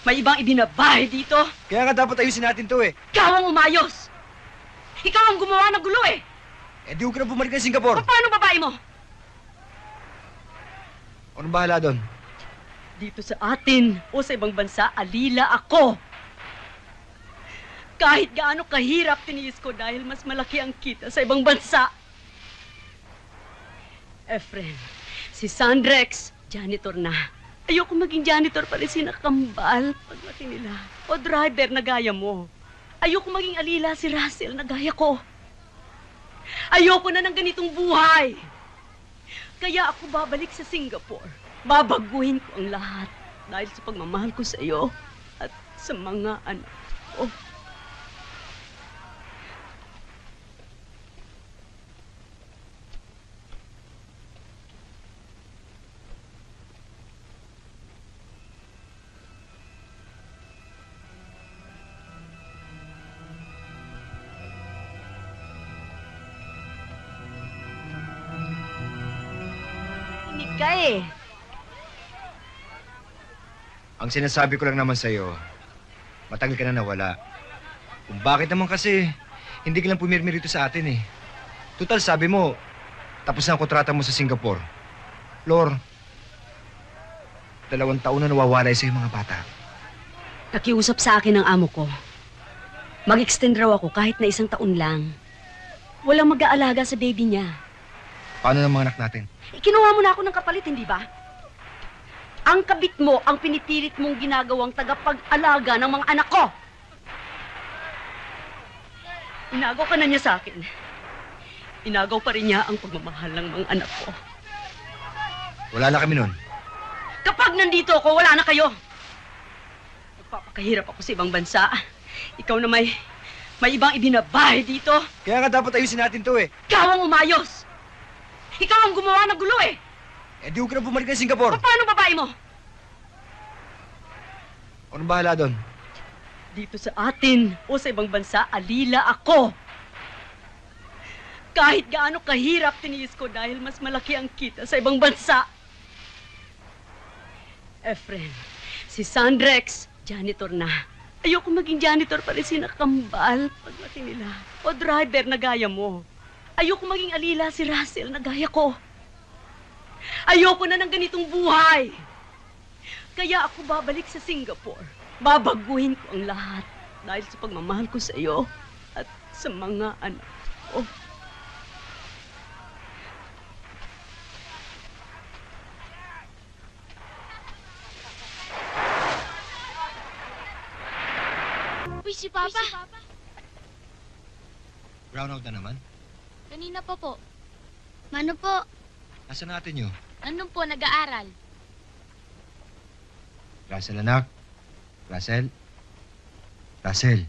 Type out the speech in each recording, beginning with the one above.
May ibang ibinabahay dito. Kaya nga dapat ayusin natin to eh. Ikaw ang umayos. Ikaw ang gumawa ng gulo eh. Eh di ko na bumalik ng Singapore. Paano babae mo? Anong bahala doon? Dito sa atin o sa ibang bansa, alila ako. Kahit gaano kahirap tiniis ko dahil mas malaki ang kita sa ibang bansa. Efren, si Sandrex, janitor na. Ayoko maging janitor pa rin si Nakambal paglaki nila. O driver na gaya mo. Ayoko maging alila si Russell na gaya ko. Ayoko na ng ganitong buhay. Kaya ako babalik sa Singapore. Babaguhin ko ang lahat dahil sa pagmamahal ko sa iyo at sa mga anak ko. Ka eh. Ang sinasabi ko lang naman sa'yo, matagal ka na nawala. Kung bakit naman kasi, hindi ka lang pumirmi rito sa atin eh. Total, sabi mo, tapos na ang kontrata mo sa Singapore. Lor, 2 taon na nawawalay sa'yo mga bata. Nakiusap sa akin ang amo ko. Mag-extend raw ako kahit na 1 taon lang. Walang mag-aalaga sa baby niya. Paano ng mga anak natin? Kinuha mo na ako ng kapalit, hindi ba? Ang kabit mo ang pinipilit mong ginagawang tagapag-alaga ng mga anak ko. Inagaw ka na niya sa akin. Inagaw pa rin niya ang pagmamahal ng mga anak ko. Wala na kami nun. Kapag nandito ako, wala na kayo. Nagpapakahirap ako sa ibang bansa. Ikaw na may ibang ibinabahay dito. Kaya nga dapat ayusin natin to eh. Ikaw ang umayos. Ikaw ang gumawa ng gulo eh. Eh di ko na bumalik ng Singapore. Paano babae mo? Anong bahala doon? Dito sa atin o sa ibang bansa, alila ako. Kahit gaano kahirap tiniis ko dahil mas malaki ang kita sa ibang bansa. Efren, si Sandrex, janitor na. Ayoko maging janitor pa rin si Nakambal paglaki nila. O driver na gaya mo. Ayoko maging alila si Russell na gaya ko. Ayoko na ng ganitong buhay. Kaya ako babalik sa Singapore. Babaguhin ko ang lahat dahil sa pagmamahal ko sa iyo at sa mga anak ko. Uy, si Papa. Brown out na naman. Kanina pa po. Mano po? Nasaan natin yun? Nandun po, nag-aaral. Russell, anak. Russell. Russell.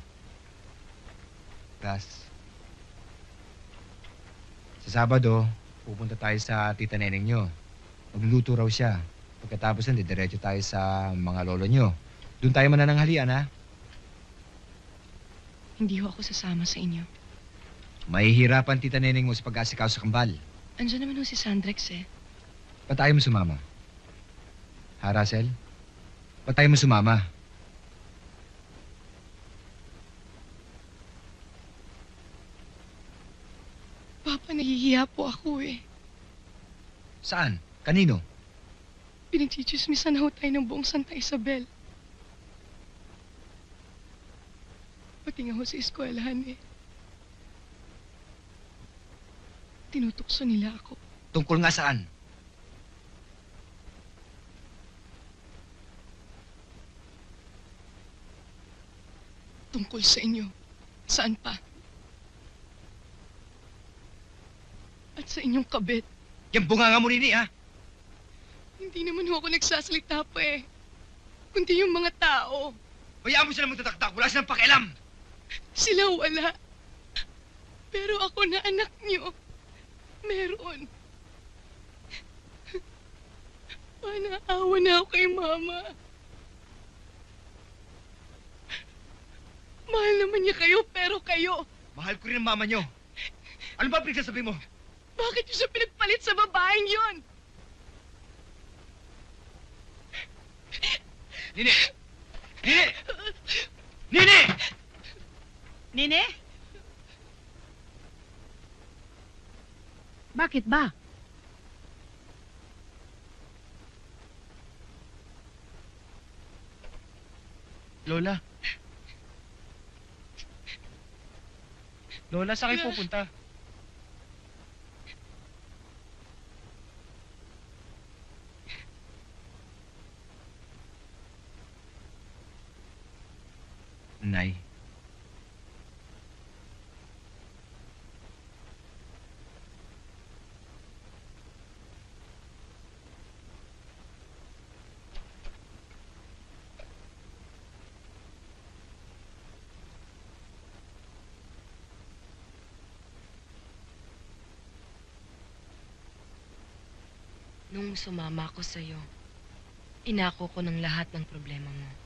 Sa Sabado, pupunta tayo sa tita Neneng nyo. Magluluto raw siya. Pagkatapos nun, diretso tayo sa mga lolo nyo. Doon tayo manananghalian, ha? Hindi ho ako sasama sa inyo. Mahihirapan tita Neneng mo sa pag-asikaw sa kambal. Andiyan naman ho si Sandrex eh. Ba't tayo mo sumama? Ha, Russell? Ba't tayo mo sumama? Papa, nahihiya po ako eh. Saan? Kanino? Pinagchichismisan na ho tayo ng buong Santa Isabel. Pati nga ho sa eskwelahan eh. Tinutukso nila ako. Tungkol nga saan? Tungkol sa inyo. Saan pa? At sa inyong kabit. Yung bunganga mo nini, ha? Hindi naman ho ako nagsasalita pa eh. Kundi yung mga tao. Hayaan mo sila magtataktak. Wala silang pakialam. Sila wala. Pero ako na anak niyo. Meron. Panaawa na ako kay Mama. Mahal naman niya kayo, pero kayo. Mahal ko rin ang mama nyo. Ano ba pinagsasabi mo? Bakit niyo siya pinagpalit sa babaeng yon? Nini! Nini! Nini! Nene? Bakit ba? Lola. Lola, saan kayo pupunta? Nay. Nung sumama ko sa'yo, inako ko ng lahat ng problema mo.